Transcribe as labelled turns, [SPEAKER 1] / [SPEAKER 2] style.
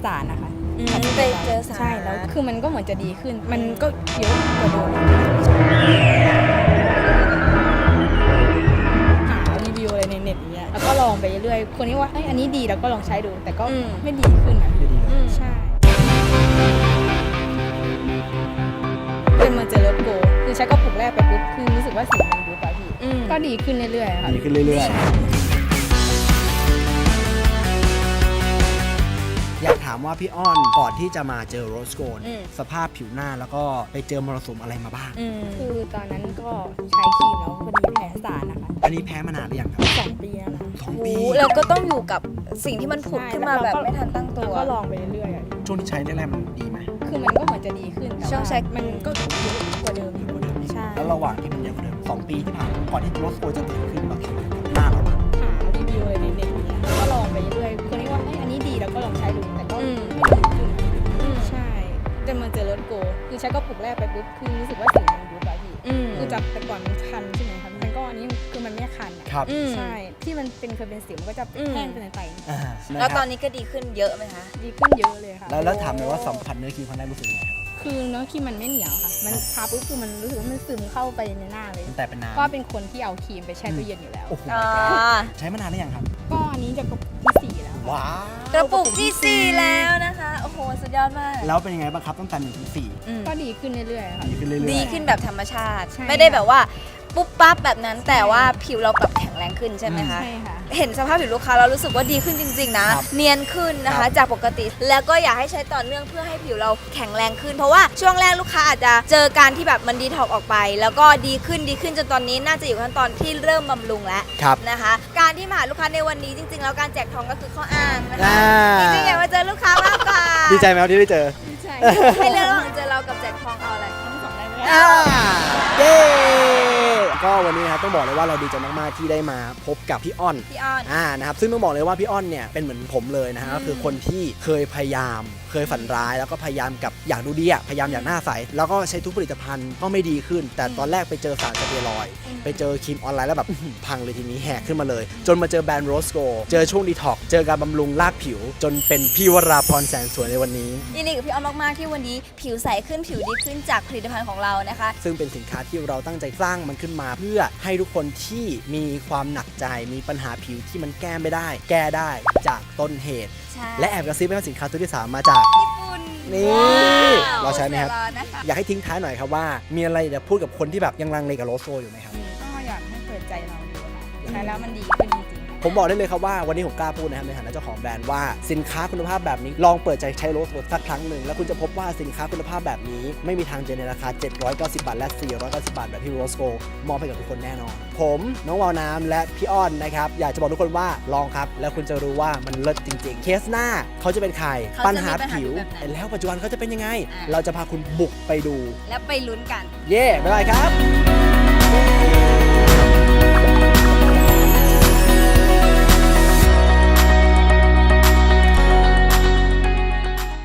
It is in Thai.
[SPEAKER 1] สารนะคะ
[SPEAKER 2] ไปเจอสาร
[SPEAKER 1] ใช่แล้วคือมันก็เหมือนจะดีขึ้นมันก็เยอะกว่าเดิมหารีวิวอะไรในเน็ตอย่างเงี้ยแล้วก็ลองไปเรื่อยๆคนนี้ว่าอันนี้ดีแล้วก็ลองใช้ดูแต่ก็ไม่ดีขึ้นอ่ะใช่เป็นมาเจอรถโกคือใช้กระปุกแรกไปปุ๊บคือรู้สึกว่าสีมันยุบไปพี่ก็ดีขึ้นเรื่อยๆค่ะ
[SPEAKER 3] ดีขึ้นเรื่อยๆอยากถามว่าพี่อ้อนก่อนที่จะมาเจอโรสโกนสภาพผิวหน้าแล้วก็ไปเจอมรสุมอะไรมาบ้าง
[SPEAKER 1] คือตอนนั้นก็ใช้ครีมแล้วพอดีแพ้สารนะคะ
[SPEAKER 3] อันนี้แพ้มานานหรือยังครับ
[SPEAKER 1] 2 ปีแล้วนะ
[SPEAKER 3] 2 ปี
[SPEAKER 2] แล้วก็ต้องอยู่กับสิ่งที่มันผุดขึ้นมาแบบไม่ทันตั้งตัว
[SPEAKER 1] ก็ลองไปเรื่อย
[SPEAKER 3] ช่วงที่ใช้แรกๆมันดีไหม
[SPEAKER 1] คือมันก็เหมือนจะดีขึ้น
[SPEAKER 2] ช่วงใช้
[SPEAKER 1] มันก็เยอะกว่าเดิมใช่
[SPEAKER 3] แล้วระหว่างที่มันเยอะกว่าเดิม2 ปีที่ผ่านมาก่อนที่โรสโกนจะตื่นขึ้นเราคิดว่าหน้าเราบ้าง
[SPEAKER 1] หารีวิวอะไรในเน็ตอย่างเงี้ยแล้วก็ลองไปเรื่อยคนนี้ว่าอันนี้ดีแล้วก็ลองใช้ดูแต่ก็ไม่ดีขึ้นใช่แต่มาเจอรถโกคือใช้กระปุกแรกไปปุ๊บคือรู้สึกว่าสีมันยุบไปพี่คือจากแต่ก่อนมันคันใช่ไหมคะมันก็อันนี้คือมันไม่คันอ่ะใช่ที่มันเคยเป็นสิวมันก็จะแห้งเป็นไต
[SPEAKER 2] แล้วตอนนี้ก็ดีขึ้นเยอะไหมคะ
[SPEAKER 1] ดีขึ้นเยอะเลยค่ะ
[SPEAKER 3] แล้วถามเลยว่าสัมผัสเนื้อครีมครั้งแรกรู้สึกยังไงครับ
[SPEAKER 1] คือเนื้อครีมมันไม่เหนียวค่ะมันทาปุ๊บคือมันรู้สึกว่ามันซึมเข้าไปในหน้าเลย
[SPEAKER 3] แต่เป็นน้ำ
[SPEAKER 1] ก็เป็นคนที่เอาครีมไปแช่ตู้เย็นอยู่แล้ว
[SPEAKER 3] ใช้มานานหรือยังครับ
[SPEAKER 1] ก็อันนี้จะกระปุกที่4แล้ว
[SPEAKER 3] ว้าว
[SPEAKER 2] กระปุกที่4แล้วนะคะโอ้โหสุดยอดมาก
[SPEAKER 3] แล้วเป็นยังไงบ้างครับตั้งแต่1 ถึง 4
[SPEAKER 1] ก็ดีขึ้นเรื่อยๆค่ะ
[SPEAKER 3] ดีขึ้นเรื่อยๆ
[SPEAKER 2] ดีขึ้นแบบธรรมชาติไม่ได้แบบว่าปุ๊บปั๊บแบบนั้นแต่ว่าผิวเรากลับแข็งแรงขึ้นใช่ไหมคะ
[SPEAKER 1] ใช่ค่ะ
[SPEAKER 2] เห็นสภาพผิวลูกค้าเรารู้สึกว่าดีขึ้นจริงๆนะเนียนขึ้นนะคะจากปกติแล้วก็อยากให้ใช้ต่อเนื่องเพื่อให้ผิวเราแข็งแรงขึ้นเพราะว่าช่วงแรกลูกค้าอาจจะเจอการที่แบบมันดีท็อกออกไปแล้วก็ดีขึ้นจนตอนนี้น่าจะอยู่ขั้นตอนที่เริ่มบำรุงแล้วนะคะการที่มาหาลูกค้าในวันนี้จริงๆแล้วการแจกทองก็คือข้ออ้างนะคะจริงๆอยากมาเจอลูกค้ามากกว่า
[SPEAKER 3] ดีใจไหมครับที่ได้เจอ
[SPEAKER 1] ดีใจ
[SPEAKER 2] ให้เลือกระหว่างเจอเรากับแจกทองเอาอะไร
[SPEAKER 1] ทั้ง2ได้ไหม
[SPEAKER 3] เย้ก็วันนี้นะครับต้องบอกเลยว่าเราดีใจมากๆที่ได้มาพบกับพี่อ้อนนะครับซึ่งต้องบอกเลยว่าพี่อ้อนเนี่ยเป็นเหมือนผมเลยนะฮะก็คือคนที่เคยพยายามเคยฝันร้ายแล้วก็พยายามกับอยากดูดีพยายามอยากหน้าใสแล้วก็ใช้ทุกผลิตภัณฑ์ก็ไม่ดีขึ้นแต่ตอนแรกไปเจอสารสเตียรอยด์ไปเจอครีมออนไลน์แล้วแบบพังเลยทีนี้แหกขึ้นมาเลยจนมาเจอแบรนด์โรสโกเจอช่วงดีท็อกเจอการบำรุงรากผิวจนเป็นพี่วราพรแสนสวยในวันนี้
[SPEAKER 2] ยินดีกับพี่อ้อนมากๆที่วันนี้ผิวใสขึ้นผิวดีขึ้นจากผลิตภัณฑ์ของเรานะคะ
[SPEAKER 3] ซึ่งเป็นสินค้าที่เราตั้งใจสร้างมันขึ้นมาเพื่อให้ทุกคนที่มีความหนักใจมีปัญหาผิวที่มันแก้ไม่ได้แก้ได้จากต้นเหตุและแอบกระซิบว่าสินค้าตัวที่3มาจาก
[SPEAKER 2] ญี่ปุ่น
[SPEAKER 3] นี่เราใช้ไหมครับอยากให้ทิ้งท้ายหน่อยครับว่ามีอะไรจะพูดกับคนที่แบบยังลังเลกับโรสโกอยู่ไหมครับ
[SPEAKER 1] ก็อยากให้เปิดใจเราดูค่ะใช้แล้วมันดีขึ้นจริง
[SPEAKER 3] ผมบอกได้เลยครับว่าวันนี้ผมกล้าพูดนะครับในฐานะเจ้าของแบรนด์ว่าสินค้าคุณภาพแบบนี้ลองเปิดใจใช้โรสโกสักครั้งหนึ่งแล้วคุณจะพบว่าสินค้าคุณภาพแบบนี้ไม่มีทางเจอในราคา790 บาทและ490 บาทแบบที่โรสโกมอบให้กับทุกคนแน่นอนผมน้องวาวน้ำและพี่อ้อนนะครับอยากจะบอกทุกคนว่าลองครับแล้วคุณจะรู้ว่ามันเลิศจริงๆเคสหน้าเขาจะเป็นใครปัญหาผิวแล้วปัจจุบันเขาจะเป็นยังไงเราจะพาคุณบุกไปดู
[SPEAKER 2] และไปลุ้นกัน
[SPEAKER 3] เย่บ๊ายบายครับ